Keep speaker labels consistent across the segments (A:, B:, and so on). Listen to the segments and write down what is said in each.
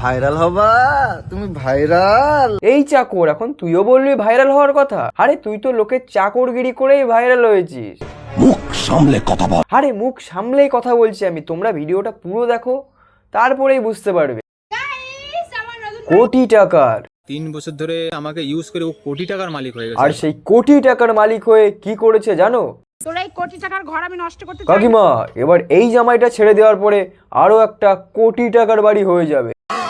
A: Viral হবা, তুমি viral.
B: এই চাকর, এখন তুইও বলবি ভাইরাল হওয়ার কথা? আরে তুই তো লোকের চাকরগিরি করেই ভাইরাল হয়েছিস।
C: মুখ সামলে কথা বল।
B: আরে মুখ সামলেই কথা বলছি আমি, তোমরা ভিডিওটা পুরো দেখো, তারপরেই বুঝতে পারবে। কোটি টাকার
D: 3 বছর ধরে আমাকে ইউজ করে ও কোটি টাকার মালিক হয়ে গেছে।
B: আর সেই কোটি টাকার মালিক হয়ে কি করেছে জানো?
E: তোরা এই কোটি টাকার ঘর আমি নষ্ট করতে চাই।
B: কাকিমা, এবার এই জামাইটা ছেড়ে দেওয়ার পরে আরো একটা কোটি টাকার বাড়ি হয়ে যাবে।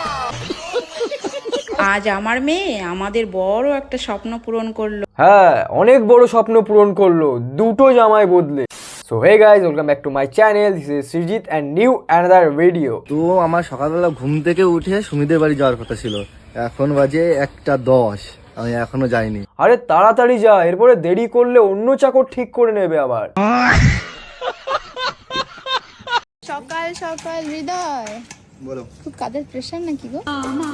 F: আজ আমার মেয়ে আমাদের বড় একটা স্বপ্ন পূরণ করলো।
B: হ্যাঁ, অনেক বড় স্বপ্ন পূরণ করলো, দুটো জামাই বদলে। So hey guys, welcome back to my channel. This is Srijit and new another video.
A: তো আমার সকালবেলা ঘুম থেকে উঠে সুমিদের বাড়ি যাওয়ার কথা ছিল, এখন বাজে 1:10, আমি এখনো যাইনি।
B: আরে তাড়াতাড়ি যা, এরপরে দেরি করলে অন্য চাকর ঠিক করে নেবে আবার।
G: সকাল সকাল হৃদয়,
A: বলো।
G: খুব কাজের প্রেশার নাকি গো?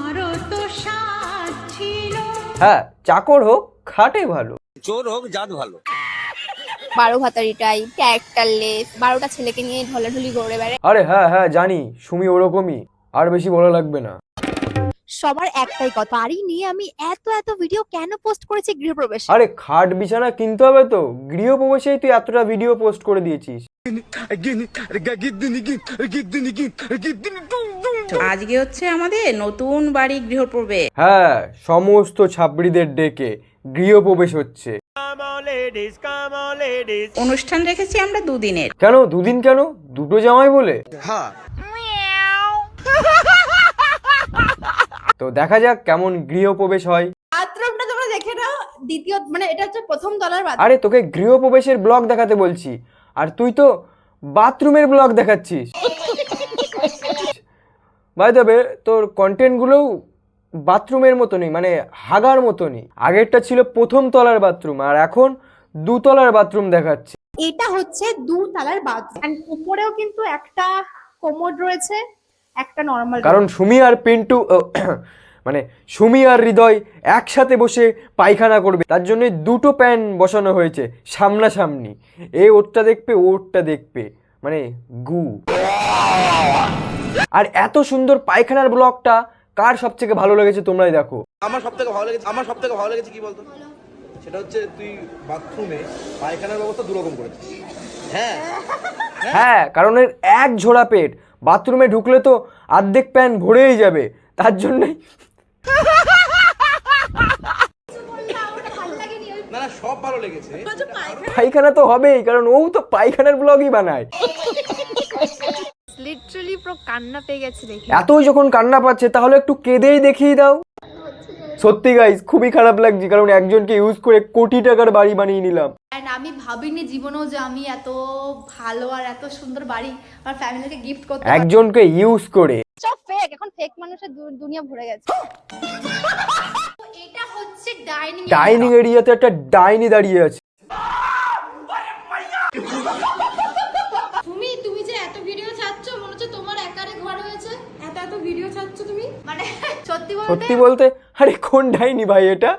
B: হ্যাঁ, চাকর হোক খাটে ভালো।
D: চোর হোক জাত ভালো।
G: 12 ভাতারি টাইপ, ক্যারেক্টারলেস, 12টা ছেলেকে নিয়ে ঢলাঢলি ঘুরে বেড়ায়।
B: আরে হ্যাঁ হ্যাঁ জানি, সুমি ওরকমই, আর বেশি বলা লাগবে না।
G: সবার একটাই কথা, বাড়ি নিয়ে আমি এত ভিডিও কেন পোস্ট করেছি গৃহপ্রবেশ?
B: আরে খাট বিছানা কিনতে হবে তো, গৃহপ্রবেশেই তুই এতটা ভিডিও পোস্ট করে দিয়েছিস।
F: আজকে হচ্ছে আমাদের নতুন বাড়ি গৃহপ্রবেশ।
B: হ্যাঁ, সমস্ত ছাবড়িদের ডেকে গৃহপ্রবেশ হচ্ছে।
F: অনুষ্ঠান রেখেছি আমরা 2 দিনের।
B: কেন 2 দিন কেন? দুটো জামাই বলে? তো দেখা যাক কেমন গৃহপ্রবেশ হয়।
G: বাথরুমটা তোমরা দেখে নাও, দ্বিতীয় মানে এটা হচ্ছে প্রথম তলার বাথরুম।
B: আরে তোকে গৃহপ্রবেশের ব্লগ দেখাতে বলছি, আর তুই তো বাথরুমের ব্লগ দেখাচ্ছিস। বাই দ্য ওয়ে, তোর কন্টেন্টগুলোও বাথরুমের মতনই, মানে হাগার মতনই। আগেরটা ছিল প্রথম তলার বাথরুম, আর এখন 2 তলার বাথরুম দেখাচ্ছে।
G: এটা হচ্ছে 2 তলার বাথরুম, এন্ড উপরেও কিন্তু একটা কোমোড রয়েছে, একটা নরমাল।
B: কারণ সুমি আর পিন্টু মানে সুমি আর হৃদয় একসাথে বসে পায়খানা করবে, তার জন্য 2টো প্যান বসানো হয়েছে সামনাসামনি। এ ওরটা দেখবে, ওরটা দেখবে, মানে গু। আর এত সুন্দর পায়খানার ব্লগটা কার সবথেকে ভালো লেগেছে তোমরাই দেখো।
H: আমার সব থেকে ভালো লেগেছে কি বলতো, সেটা হচ্ছে তুই বাথরুমে পায়খানার ব্যবস্থা দুরকম করেছিস।
B: হ্যাঁ, কারণ এর এক ঝোড়া পেট, বাথরুমে ঢুকলে তো অর্ধেক প্যান ভরেই যাবে, তার জন্যই।
H: না সব ভালো লেগেছে।
B: পায়খানা তো হবেই, কারণ ও তো পায়খানার ব্লগই বানায়।
G: লিটারালি পুরো কান্না পেয়ে গেছে দেখে।
B: এতই যখন কান্না পাচ্ছে, তাহলে একটু কেঁদেই দেখিয়ে দাও। সত্যি গাইস, খুবই খারাপ লাগছে, কারণ একজনকে ইউজ করে কোটি টাকার বাড়ি বানিয়ে নিলাম।
I: এন্ড আমি ভাবিনি জীবনেও যে আমি এত ভালো আর এত সুন্দর বাড়ি আমার ফ্যামিলিকে গিফট করতে পারবো।
B: একজনকে ইউজ করে।
G: সব ফেক, এখন ফেক মানুষের দুনিয়া ভরে গেছে।
I: এটা হচ্ছে ডাইনিং
B: ডাইনিং এরিয়াতে একটা ডাইনি দাঁড়িয়ে আছে।
I: তুমি যে এত ভিডিও ছাড়ছ, মনে হচ্ছে তোমার একারে ঘর হয়েছে, এত ভিডিও ছাড়ছ তুমি, মানে সত্যি
B: বলতে আরে কোন ডাইনি ভাই এটা?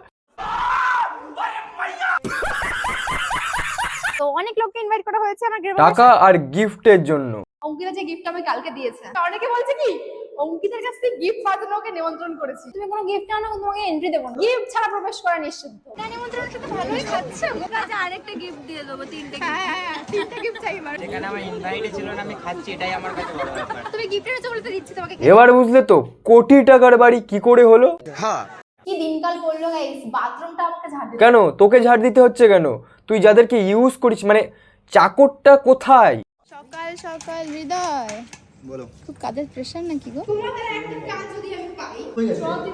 G: তো অনেক লোককে ইনভাইট করা হয়েছে আমার গৃহপ্রবেশে।
B: টাকা আর গিফটের জন্য।
I: অঙ্কিতা যে গিফট আমাকে কালকে দিয়েছে, অনেকে বলছে কি অঙ্কিতার কাছ থেকে গিফট পাওয়ার জন্য ওকে নিমন্ত্রণ করেছি।
G: তুমি কোনো গিফট আনো, তোমাকে এন্ট্রি দেবো না। গিফট ছাড়া প্রবেশ করা নিষিদ্ধ।
I: নিমন্ত্রণের সাথে ভালোই খাচ্ছে, ওকে আজ আরেকটা গিফট দিয়ে দেবো, 3টে। হ্যাঁ 3টে গিফট চাই আমার।
J: যেখানে আমার ইনভাইটে ছিল না, আমি খাচ্ছি, এটাই আমার কাছে বড় ব্যাপার।
I: তুমি গিফট এনেছো বলে তো দিচ্ছি তোমাকে।
B: এবার বুঝলে তো কোটি টাকার বাড়ি কি করে হলো।
I: কি দিনকাল পড়লো গাইস, বাথরুমটা আমাকে ঝাড় দিতে।
B: কেন তোকে ঝাড় দিতে হচ্ছে কেন? তুই যাদেরকে ইউজ করিস, মানে চাকরটা কোথায়?
G: সকাল সকাল হৃদয়,
A: বলো।
G: খুব কাজের প্রেশার নাকি গো?
I: তোমাদের একটা কাজ যদি আমি পাই, জল দিব।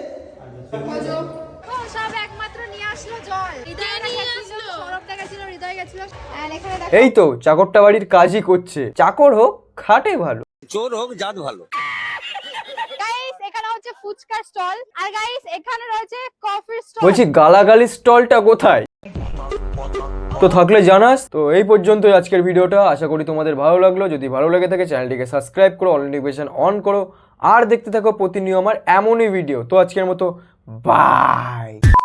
I: ও সব একমাত্র নিয়ে আসলো জল। হৃদয় নিয়ে আসলো, সৌরভ গেছিল, হৃদয় গেছিল। আর এখানে দেখো,
B: এই তো চাকরটা বাড়ির কাজই করছে। চাকর হোক খাটে ভালো।
D: চোর হোক জাত ভালো।
G: গাইস এখানে হচ্ছে ফুচকার স্টল, আর গাইস এখানে রয়েছে কফির স্টল।
B: বলছি গালাগালি স্টলটা কোথায়? তো থাকলে জানাস। তো এই পর্যন্তই আজকের ভিডিওটা, আশা করি তোমাদের ভালো লাগলো। যদি ভালো লেগে থাকে চ্যানেলটিকে সাবস্ক্রাইব করো, অল নোটিফিকেশন অন করো, আর দেখতে থাকো প্রতিনিয়ত আমার এমনই ভিডিও। তো আজকের মতো বাই।